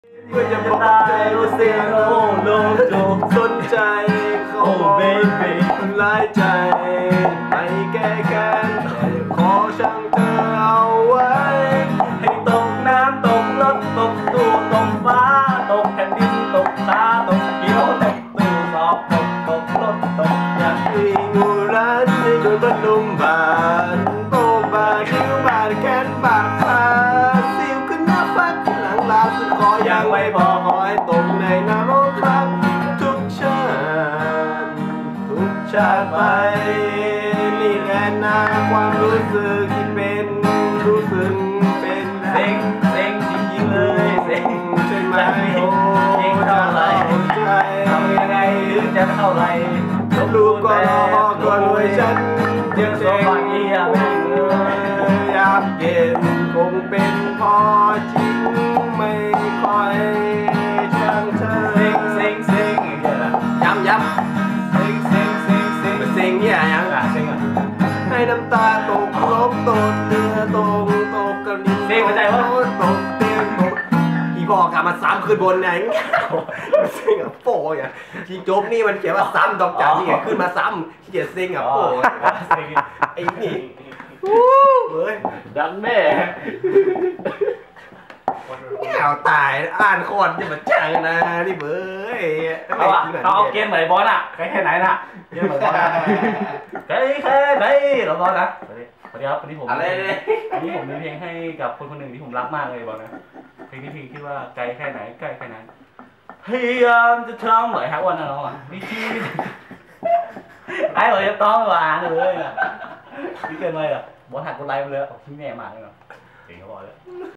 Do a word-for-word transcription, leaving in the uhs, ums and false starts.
เพื่อจะบอกใจว่าเสียงโอ้โลโจสนใจเขาบอกทำร้ายใจไม่แก้แค้นแต่ขอช่างเธอเอาไว้ให้ตกน้ำตกรถตกตู้ตกฟ้าตกแผ่นดินตกขาตกเกี่ยวตกตู้สอบตกตกรถตกอยากมีงูรัดให้โดนบรรลุมบานโบบาดคิ้วบาดแขนบาดขาสิวขึ้นหน้าฟักหลังลาสุดขอยังไม่พอขอให้ตกในน้ำโอ้ครับทุกชาติทุกชาติไปนี่แหละนะความรู้สึกที่เป็นรู้สึกเป็นเซ็งเซ็งจริงๆเลยเซ็งใช่ไหมโอ้เองเท่าไรทำยังไงถึงจะเท่าไรลูกก็รอก็รวยฉันยังเซ็งอยากเย็นคงเป็นพอจริงไม่ค่อยช่างเธอเซ็งเซ็งเซ็งย้ำย้ำเซ็งเซ็งเซ็งเซ็งเซ็งเนี่ยยังอ่ะเซ็งอ่ะให้น้ำตาตกลบตกเรือตกตกกระดิ่งเซ็งเข้าใจว่าตกเตียงตกพี่บอกกลับมาซ้ำขึ้นบนไหนเซ็งอ่ะโป้ยอ่ะที่จบนี่มันเขียนว่าซ้ำดอกจันนี่ขึ้นมาซ้ำที่เขียนเซ็งอ่ะโป้ไอ้นี่เฮ้ยดันแม่แก้วตายอ่านคอนจะมาจังนะนี่เบ้ยเขาเขาเอาเกมไหนบอลอ่ะใครแค่ไหนน่ะเกมไหนบอลใครแค่ไหนเราบอลนะสวัสดีสวัสดีครับวันนี้ผมอะไรเนี่ยวันนี้ผมมีเพลงให้กับคนคนหนึ่งที่ผมรักมากเลยบอลนะเพลงนี้เพลงที่ว่าไกลแค่ไหนใกล้แค่ไหนพยายามจะทำหน่อยฮะวันนั้นน้องอ่ะวิธีไอ้เราจะต้องหวานเลยอ่ะนี่เกินไปอ่ะบอลหักคนไลน์ไปเลยพี่แม่มาเลยเนาะเก่งเขาบอกเลย